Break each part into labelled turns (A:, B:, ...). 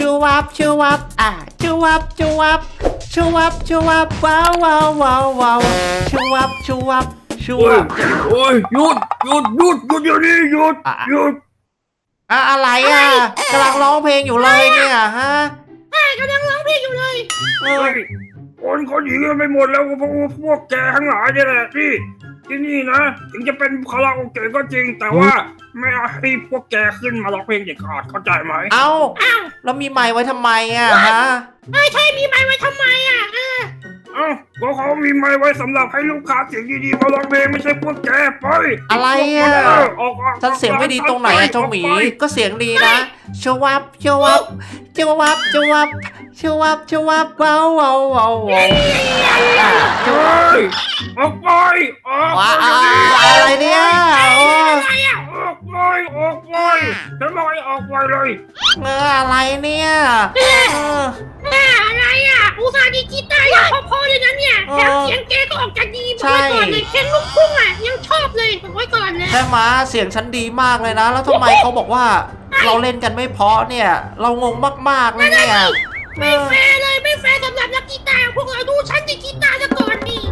A: ชูวับชูวับชูวับชูวับชูวับชูวับว้าวว้าวว้าวว้าวชูวับชูวับชูวับ
B: โอ้ยหยุดเดี๋ยวนี้หยุด
A: อะไรกำลังร้องเพลงอยู่เลยเนี่ยฮะ
C: กำลังร้องเพลงอยู่เลย
B: คนเขาหนีกันไปหมดแล้วพวกแกทั้งหลายเนี่ยแหละที่นี่นะถึงจะเป็นคาราโอเกะก็จริงแต่ว่าไม่ให้พวกแกขึ้นมาร้องเพลงเด็ดขาดเข้าใจไหม
A: แล้วมีไมค์ไว้ทำไมฮะ
C: ใช่มีไมค์ไว้ทำไม
B: ก็เขามีไมค์ไว้สำหรับให้ลูกค้าเสียงดีๆมาร้องเพลงไม่ใช่พวกแกไป
A: อะไรฉันเสียงไม่ดีตรงไหนเจ้าหมีก็เสียงดีนะชวับชวับชวับชวับชวับชวับว้าวว้าวว้าว
B: ออกไป
A: อะไรเนี่ย
B: ออกไปฉันบอกให้ออกไปเลย
A: อะไรเนี่ย
C: อะไรอุตส่าห์ดีกีตาร์ยังพอเลยนะเนี่ยแถมเสียงแกก็ออกจากดีบอกไว้ก่อนเลยเพลงลูกทุ่งยังชอบเลยบอกไว้ก่อนเลย
A: ใช่ไหมเสียงฉันดีมากเลยนะแล้วทำไมเขาบอกว่าเราเล่นกันไม่เพราะเนี่ยเรางงมากๆเลยเนี่ย
C: ไม่แฟร์เลยไม่แฟร์สำหรับนักกีตาร์พวกเราดูฉันดีกีตาร์ซะก่อนนี่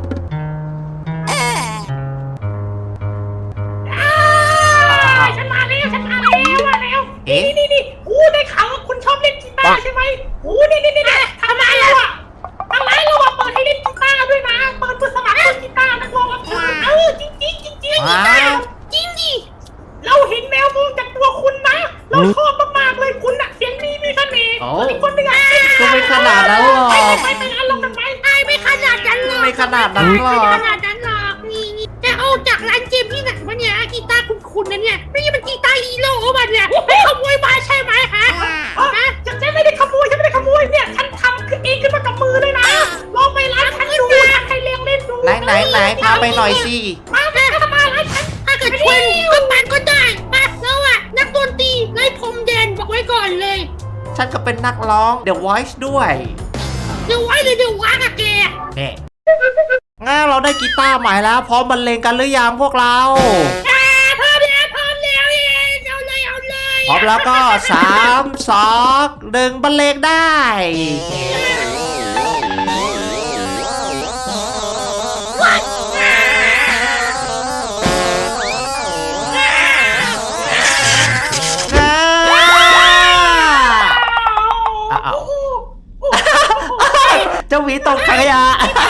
C: ฉันมาแล้วนี่ได้ข่าวว่าคุณชอบเล่นกีตาร์ใช่ไหมนี่ทำไมเราเปิดให้เล่นกีตาร์ด้วยนะเปิดสมัครเล่นกีตาร์นักร้องรับเชิญจริงกีตาร์จริงดิเราเห็นแมวมองจากตัวคุณนะเราชอบมากๆเลยคุณเสียงดีมีเสน่ห์คนนึง
A: ก็ไม่ขนาดนั้นหรอก
C: ไม่งั้นลงกันไหมไม่ขนาดนั้นหรอก
A: ไม่ขนาดนั้นหรอก
C: นี่จะเอาจากร้านเกมที่ไหนวะเนี่ยกีตาร์คุณนะเนี่ยไม่ใช่เป็นกีตาร์ฮีโร่ป่ะเนี่ยขโมยมาใช่ไหมฮะฉันไม่ได้ขโมยเนี่ยฉันทำขึ้นเองขึ้นมากับมือเลยนะลองไปร้านฉันดูให้เล่นดู
A: ไหนพาไปหน่อยสิ
C: มาร้านฉันถ้าเกิดชวนก็ปั่นก็ได้มาแล้วนักดนตรีไร้พรมแดนบอกไว้ก่อนเลย
A: ฉันก็เป็นนักร้อง The Voice ด้วย
C: The Voice หรือ The Voice อะแก
A: งั้นเราได้กีตาร์ใหม่แล้วพร้อมบรรเลงกันหรือยังพวกเรา
C: พร้อมแล้วเอาเลย
A: พร้อมแล้วก็3 2 1บรรเลงได้เจ้าหวีตกขยะ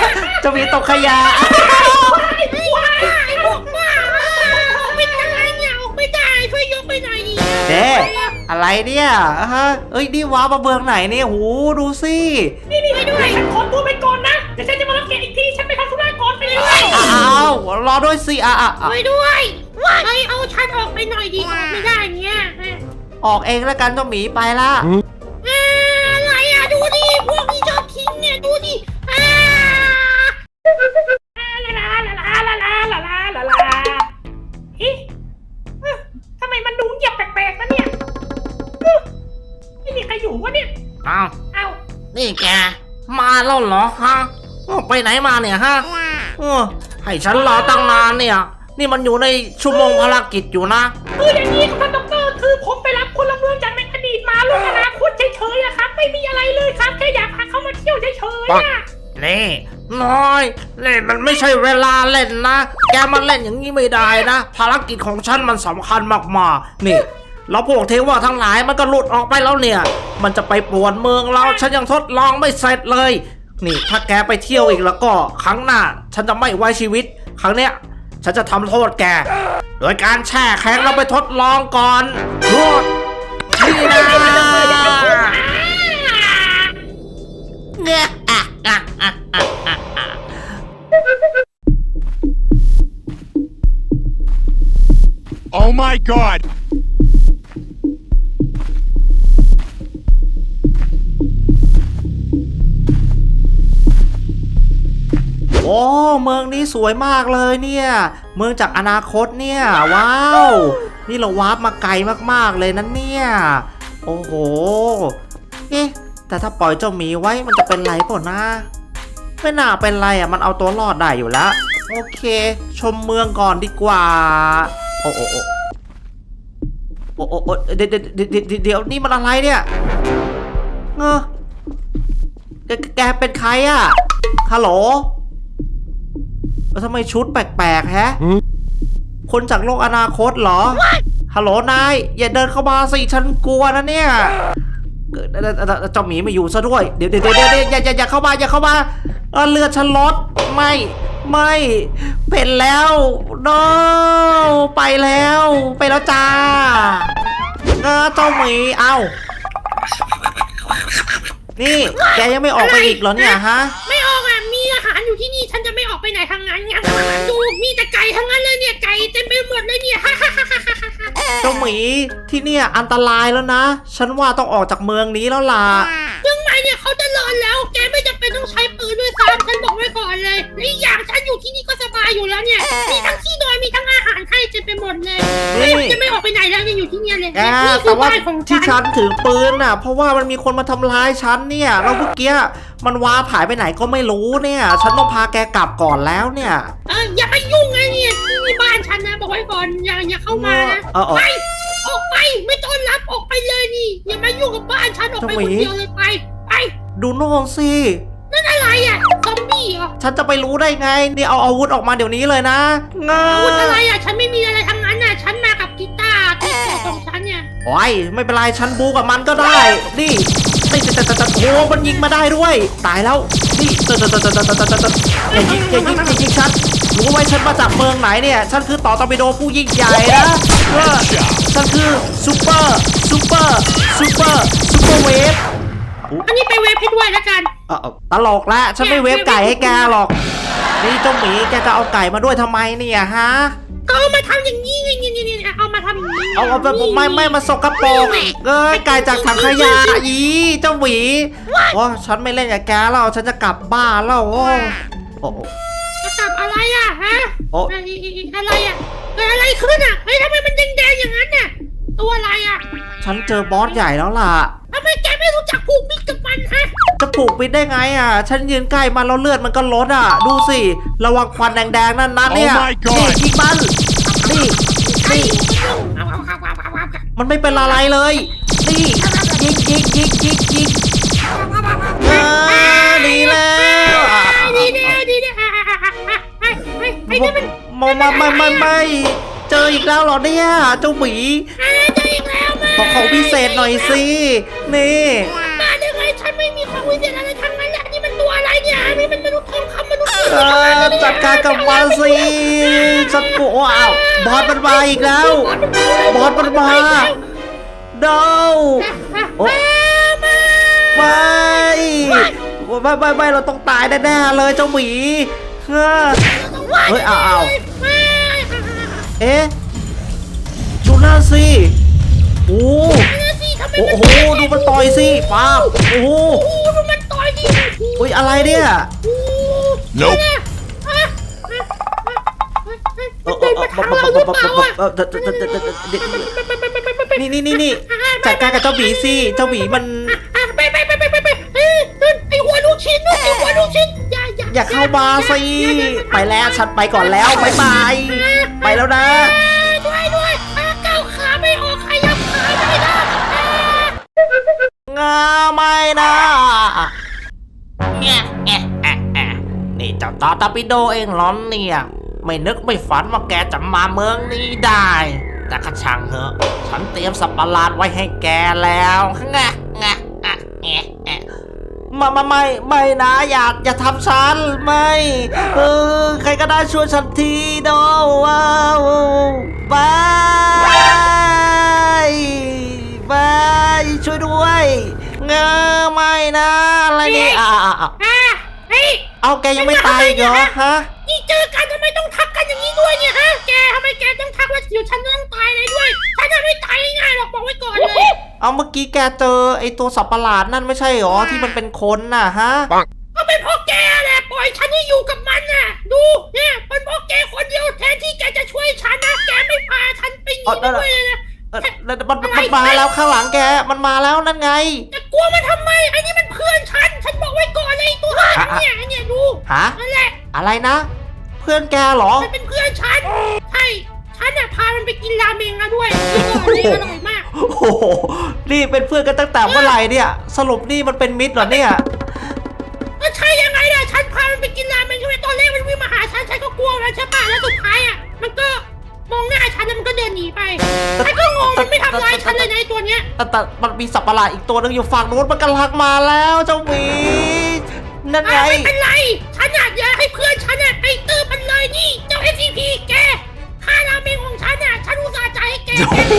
C: ไม่ได้ช่วยยกไปหน่อยดิ
A: อะไรเนี่ยนี่ว้ามาเบืองไหนเนี่ยหูดูสิ
C: นี่ให้ด้วยฉันขอตัวไปก่อนนะเดี๋ยวฉันจะมารับแกอีกทีฉันไปทำธุระก่อนไปเลย
A: รอด้วยสิ
C: ไปด้วยเอาฉันออกไปหน่อยดิไม่ได้เนี่ย
A: ออกเองแล้วกันเจ้าหมีไปละ
C: อะไรดูดิพวกนี้ชอบทิ้งเนี่ยดูดิทำไมมันดูเงียบแปลกๆนะเนี่ยไม่มีใครอยู่วะเนี่ย
A: อ้าวนี่แกมาแล้วเหรอฮะไปไหนมาเนี่ยฮะให้ฉันรอตั้งนานเนี่ยนี่มันอยู่ในชั่วโมงภารกิจอยู่นะ
C: อย่างนี้ครับดร.คือผมไปรับพลเมืองจากในอดีตมาลงอนาคตเฉยๆนะครับไม่มีอะไรเลยครับแค่อยากพาเขามาเที่ยวเฉยๆ
A: นี่น้อยเล่นมันไม่ใช่เวลาเล่นนะแกมาเล่นอย่างนี้ไม่ได้นะภารกิจของฉันมันสำคัญมากๆนี่แล้วพวกเทวะทั้งหลายมันก็หลุดออกไปแล้วเนี่ยมันจะไปป่วนเมืองเราฉันยังทดลองไม่เสร็จเลยนี่ถ้าแกไปเที่ยวอีกแล้วก็ครั้งหน้าฉันจะไม่ไว้ชีวิตครั้งเนี้ยฉันจะทำโทษแกโดยการแช่แข็งเราไปทดลองก่อนโทษนี่นะ
D: Oh my God!
A: โอ้เมืองนี้สวยมากเลยเนี่ยเมืองจากอนาคตเนี่ยว้าวนี่เราวาร์ปมาไกลมากๆเลยนั่นเนี่ยโอ้โหแต่ถ้าปล่อยเจ้าหมีไว้มันจะเป็นไรเปล่านะไม่น่าเป็นไรมันเอาตัวรอดได้อยู่แล้วโอเคชมเมืองก่อนดีกว่าโอ้เดี๋ยวนี่มันอะไรเนี่ยแกเป็นใครอะฮัลโหลทำไมชุดแปลกๆแฮะคนจากโลกอนาคตเหรอฮัลโหลนายอย่าเดินเข้ามาสิฉันกลัวนะเนี่ยเจ้าหมีไม่อยู่ซะด้วยเดี๋ยวอย่าเข้ามาอย่าเข้ามาเลือดฉันลดไม่เป็นแล้วโนไปแล้วจ้าเจ้าหมีเอ้านี่แกยังไม่ออกไปอีกเหรอเนี่ยฮะ
C: ไม่ออกอ่ะมีอาหารอยู่ที่นี่ฉันจะไม่ออกไปไหนทางนั้นไงดูมีแต่ไก่ทั้งนั้นเลยเนี่ยไก่เต็มไปหมดเลยเนี่ย
A: เจ้าหมีที่เนี่ยอันตรายแล้วนะฉันว่าต้องออกจากเมืองนี้แล้วล่ะ
C: เมืองใหม่เนี่ยเขาจะเลินแล้วแกไม่จำเป็นต้องใช้ปืนด้วยซ้ำฉันบอกไว้ก่อนเลยและอีกอย่างฉันอยู่ที่นี่ก็สบายอยู่แล้วเนี่ยมีทั้งที่นอนมีทั้งอาหารให้เต็มไปหมดเลยจะไม่ออกไปไหนแล้วยังอยู่ที่นี่เลย
A: แต่ว่าที่ฉันถือปืนน่ะเพราะว่ามันมีคนมาทำร้ายฉันเนี่ยแล้วเมื่อกี้มันว้าผายไปไหนก็ไม่รู้เนี่ยฉันต้องพาแกกลับก่อนแล้วเนี่ย
C: อย่าไปยุ่งไงเนี่ยที่บ้านฉันนะบอกไว้ก่อนอย่าเข้ามานะไปออกไปไม่ต้อนรับออกไปเลยนี่อย่ามายุ่งกับบ้านฉันออกไปคนเดียวเลยไป
A: ดูโน่นสิ
C: นั่นอะไรอ่ะซอมบี้เหรอ
A: ฉันจะไปรู้ได้ไงนี่เอาอาวุธออกมาเดี๋ยวนี้เลยนะ
C: อาวุธอะไรอ่ะฉันไม่มีอะไรทั้งนั้นน่ะฉันมากับกีตาร์ที่ของฉันเนี่ย
A: โอ้ยไม่เป็นไรฉันบูกับมันก็ได้นี่โอ้มันยิงมาได้ด้วยตายแล้วนี่อย่ายิงฉันรู้ไว้ฉันมาจากเมืองไหนเนี่ยฉันคือต่อตอร์ปิโดผู้ยิ่งใหญ่นะฉันคือซูเปอร์เวฟ
C: อันนี้ไปเวฟให้ด้วยแล้วกัน
A: ตลกละฉันไม่เวฟไก่ให้แกหรอกนี่เจ้าหมีแกจะเอาไก่มาด้วยทำไมเนี่ยฮะ
C: ก็เอามาทำอย่างนี้ไงนี่เอามาทำอย่างนี้
A: เอาแบบไม่มาสกปรกไก่จากถังขยะอีเจ้าหมีฉันไม่เล่นกับแกแล้วฉันจะกลับบ้านแล้ว
C: จะกลับอะไรอ่ะฮะอะไรอ่ะเกิดอะไรขึ้นอ่ะเฮ้ยทำไมมันแดงอย่างนั้นเนี่ยตัวอะไรอ่ะ
A: ฉันเจอบอสใหญ่แล้วล่ะ
C: ทำไมแกไม่รู้จักผูกมิตรกับมันฮะ
A: จะผูกมิตรได้ไงอ่ะฉันยืนใกล้มันแล้วเลือดมันก็ลดอ่ะดูสิระวังควันแดงๆนั่นเนี่ยนี่ยิงมันนี่มันไม่เป็นอะไรเลยนี่ยิงดีแล้วไม่เจออีกแล้วเหรอเนี่ยเจ้าหมีขอของพิเศษหน่อยสินี่
C: มาได้ไงฉันไม่มีของพิเศษอะไรทั้งนั้นแหละนี่มันตัวอะไรเนี่ยนี่มันมนุษย์ทองคำมนุษย์
A: จัดการกับมันสิฉันกลัวบอสมันมาอีกแล้วบอสมันมาเดาไม่เราต้องตายแน่ๆเลยเจ้าหมีเฮ้ยเอ๊ะดูหน้าสิโอ้โหดูมันต่อยสิป้าโอ้โห
C: ดูมันต่อยดิ
A: อุ้ยอะไรเนี่ยนี่จัดการกับเจ้าหมีสิเจ้าหมีมัน
C: ไปไอหัวลูกชิ้น
A: อย่าเข้ามาสิไปแล้วฉันไปก่อนแล้วบ๊ายบายไปแล้วนะ
C: ด้วยก้าวขาไม่ออกขยับขาไม่ได้
A: ไม่นะนี่เจ้าตอร์ปิโดเองเหรอเนี่ยไม่นึกไม่ฝันว่าแกจะมาเมืองนี้ได้แต่ข้าช่างเหอะฉันเตรียมสัตว์ประหลาดไว้ให้แกแล้วไม่นะอย่าทำฉันไม่ใครก็ได้ช่วยฉันทีโดว้าวบายช่วยด้วยไม่นะอะไรนี่เอาแกยังไม่ตายเหรอฮะ
C: นี่เจอกันทำไมต้องทักกันอย่างนี้ด้วยเนี่ยฮะแกทำไมแกต้องทักว่าอยู่ฉันต้องตายเลยด้วยฉันจะไม่ตายง่ายหรอกบอกไว้ก่อนเลย
A: เอาเมื่อกี้แกเจอไอตัวสัตว์ประหลาดนั่นไม่ใช่หรอที่มันเป็นคนน่ะฮะ
C: ก็เป็นเพราะแกแหละปล่อยฉันให้อยู่กับมันน่ะดูเนี่ยเป็นเพราะแกคนเดียวแทนที่แกจะช่วยฉันนะแกไม่พาฉันไปหนีด้วยเลยนะ
A: มันมาแล้วข้างหลังแกมันมาแล้วนั่นไง
C: จะกลัวมันทำไมไอ้นี่มันเพื่อนฉันบอกไว้ก่อนเลยตัวเนี่ยดู
A: นั่นแหละอะไรนะเพื่อนแกเหรอ
C: มันเป็นเพื่อนฉันใช่ฉันน่ะพามันไปกินราเมงมาด้วยนี่อร่อยมาก
A: โอ้โหนี่เป็นเพื่อนกันตั้งแต่เมื่อไหร่เนี่ย สรุปนี่มันเป็นมิตรเหรอเนี่ย
C: ก็ใช่ยังไงล่ะฉันพามันไปกินราเมงใช่ไหมตอนแรกมันวิ่งมาหาฉันก็กลัวแล้วใช่ป่ะแล้วสุดท้ายอ่ะมันก็มองหน้าฉันแล้วมันก็เดินหนีไปฉันก็งงมันไม่ทำร้ายฉันเลยนะไอ้ตัวเนี้ย
A: แต่มันมีสัตว์ประหลาดอีกตัวนึงอยู่ฝั่งนู้นมันกำลังมาแล้วเจ้าหมีนั่นไง
C: ไม่เป็นไรฉันอยากให้เพื่อนฉันไปตื้อมันเลยนี่เจ้า SCP แกค่าราเมงของฉันฉันอุตส่าห์จ่ายให้แก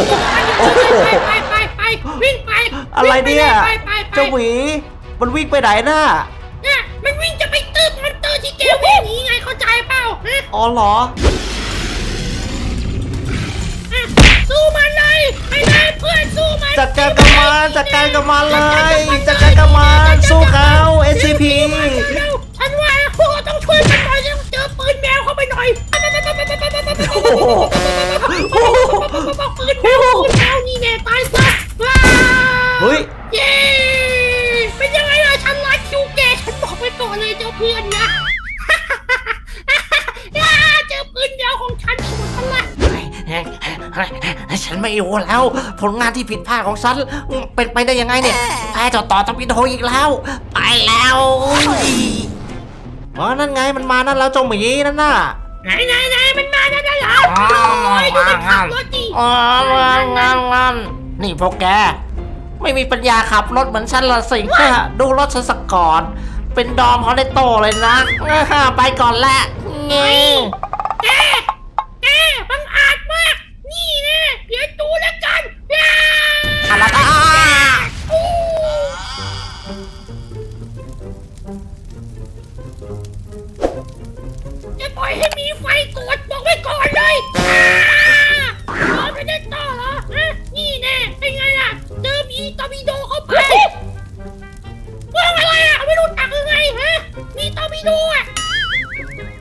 C: ไปวิ่งไป
A: อะไรเนี่ย
C: ไป
A: เจ้าหมีมันวิ่งไปไหนน่ะ
C: เนี่ยมันวิ่งจะไปตื้อมอนเตอร์ที่แกวิ่งหนีไงเข้าใจเปล่าฮะ
A: อ๋อเหรอ
C: สู้มันเลยไปเลยเพื่อนสู้มัน
A: จัดการกับมันจัดการกับมันเลยจัดการกับมันสู้เขา SCP
C: ฉันว่าพวกเราต้องช่วยกันหน่อยต้องเจอปืนแมวเข้าไปหน่อย
A: โอ้โห
C: ปืนแมวนี่แน่ตายซะ
A: เฮ้ย
C: เย้เป็นยังไงล่ะฉันรักคิวแกฉันบอกไปก่อนเลยเจ้าเพื่อนนะเจอปืนแมวของฉันหมดพลัง
A: ฉันไม่อยู่แล้ว ผลงานที่ผิดพลาดของฉันเป็นไปได้ยังไงเนี่ยแพ้ต่อตอปิโดอีกแล้วไปแล้วอ๋อนั่นไงมันมานั่นแล้วเจ้าหมีนั่นน่ะ
C: ไหนมันมาแล้วนะโอ้ยดูมันขับรถดิ
A: อ๋องานนี่พวกแกไม่มีปัญญาขับรถเหมือนฉันละสิดูรถฉันสักก่อนเป็นดอมฮอลเลโตเลยนะไปก่อนแหละงี้
C: แกบังอาจมากนี่แน่เดี๋ยวดูแล้วกัน
A: อะไร
C: จะปล่อยให้มีไฟกดบอกไว้ก่อนเลยไม่ได้ต่อเหรอนี่แน่เป็นไงล่ะเจอมีตอร์ปิโดเข้าไปว่าอะไรไม่รู้จักยังไงมีตอร์ปิโด